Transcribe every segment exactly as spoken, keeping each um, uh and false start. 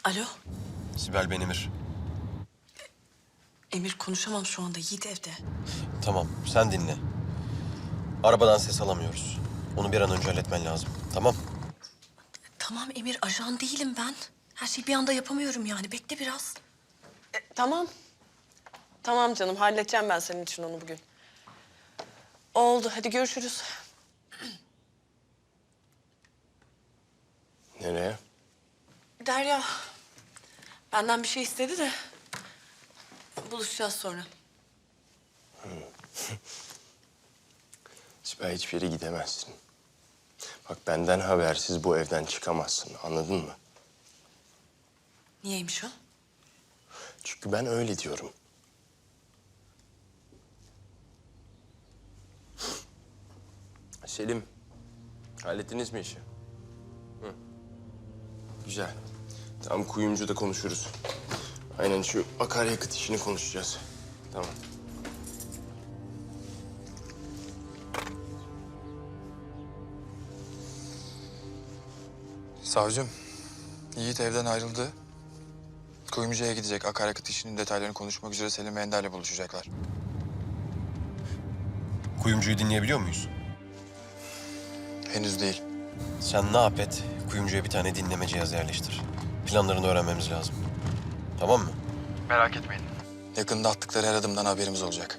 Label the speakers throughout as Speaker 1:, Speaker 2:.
Speaker 1: Alo,
Speaker 2: Sibel, ben Emir.
Speaker 1: Emir konuşamam şu anda. Yiğit evde.
Speaker 2: Tamam, sen dinle. Arabadan ses alamıyoruz. Onu bir an önce halletmen lazım. Tamam.
Speaker 1: Tamam Emir, ajan değilim ben. Her şeyi bir anda yapamıyorum yani. Bekle biraz.
Speaker 3: E, tamam. Tamam canım, halledeceğim ben senin için onu bugün. Oldu, hadi görüşürüz.
Speaker 2: Nereye?
Speaker 1: Derya, benden bir şey istedi de buluşacağız sonra.
Speaker 4: Sibel, hiçbir yere gidemezsin. Bak, benden habersiz bu evden çıkamazsın, anladın mı?
Speaker 1: Niyeymiş o?
Speaker 4: Çünkü ben öyle diyorum. Selim, hallettiniz mi işi? Hı. Güzel. Tamam, kuyumcuda konuşuruz. Aynen, şu akaryakıt işini konuşacağız. Tamam.
Speaker 5: Savcım, Yiğit evden ayrıldı. Kuyumcuya gidecek. Akaryakıt işinin detaylarını konuşmak üzere Selim Ender'le buluşacaklar.
Speaker 2: Kuyumcuyu dinleyebiliyor muyuz?
Speaker 5: Henüz değil.
Speaker 2: Sen ne yap et, kuyumcuya bir tane dinleme cihazı yerleştir. Planlarını öğrenmemiz lazım. Tamam mı?
Speaker 5: Merak etmeyin. Yakında attıkları her adımdan haberimiz olacak.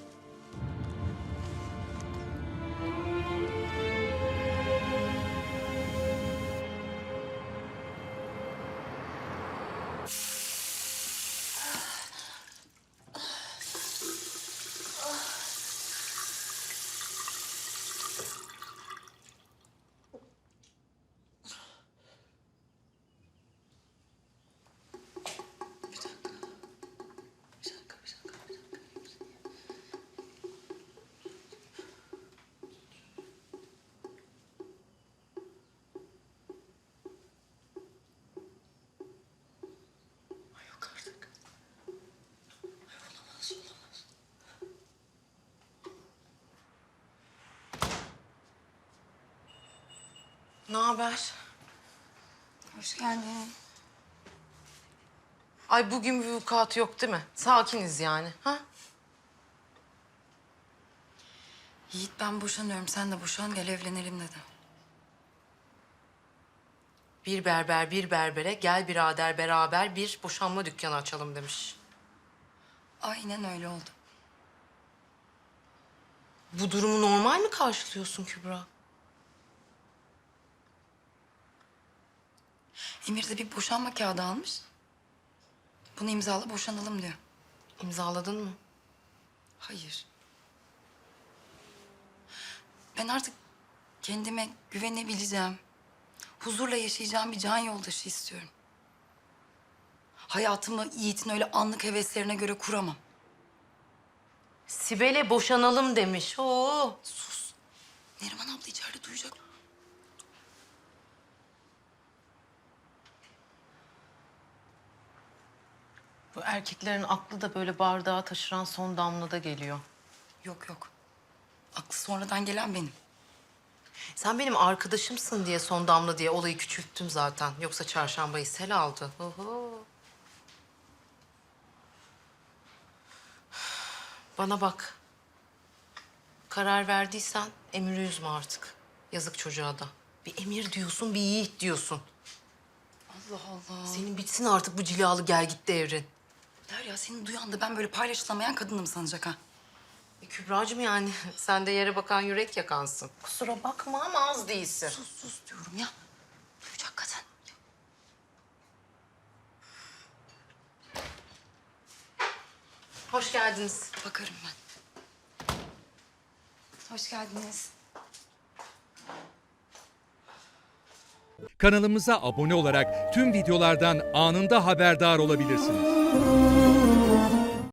Speaker 1: Bir dakika, bir dakika, bir dakika. Ay yok artık. Ay olamaz, olamaz.
Speaker 6: Ne haber?
Speaker 7: Hoş geldin.
Speaker 6: Ay bugün bir vukuat yok değil mi? Sakiniz yani. Ha?
Speaker 7: Yiğit ben boşanıyorum. Sen de boşan gel evlenelim dedi.
Speaker 6: Bir berber bir berbere gel birader beraber bir boşanma dükkanı açalım demiş.
Speaker 7: Aynen öyle oldu.
Speaker 6: Bu durumu normal mi karşılıyorsun Kübra?
Speaker 7: Emir de bir boşanma kağıdı almış. Bunu imzala boşanalım diyor.
Speaker 6: İmzaladın mı?
Speaker 7: Hayır. Ben artık kendime güvenebileceğim, huzurla yaşayacağım bir can yoldaşı istiyorum. Hayatımı Yiğit'in öyle anlık heveslerine göre kuramam.
Speaker 6: Sibel'e boşanalım demiş. Oo.
Speaker 7: Sus. Neriman abla içeride duyacak.
Speaker 6: Bu erkeklerin aklı da böyle bardağa taşıran son damlada geliyor.
Speaker 7: Yok yok. Aklı sonradan gelen benim.
Speaker 6: Sen benim arkadaşımsın diye son damla diye olayı küçülttüm zaten. Yoksa çarşambayı sel aldı. Oho. Bana bak. Karar verdiysen Emir'i üzme artık. Yazık çocuğa da. Bir Emir diyorsun, bir Yiğit diyorsun.
Speaker 7: Allah Allah.
Speaker 6: Senin bitsin artık bu cilalı gel git devrin.
Speaker 7: Derya seni duyan da ben böyle paylaşılamayan kadınım sanacak ha.
Speaker 6: E, Kübracığım yani sen de yere bakan yürek yakansın. Kusura bakma ama az değilsin.
Speaker 7: Sus sus diyorum ya. Duyacak kadın.
Speaker 6: Hoş geldiniz.
Speaker 7: Bakarım ben. Hoş geldiniz.
Speaker 8: Kanalımıza abone olarak tüm videolardan anında haberdar olabilirsiniz.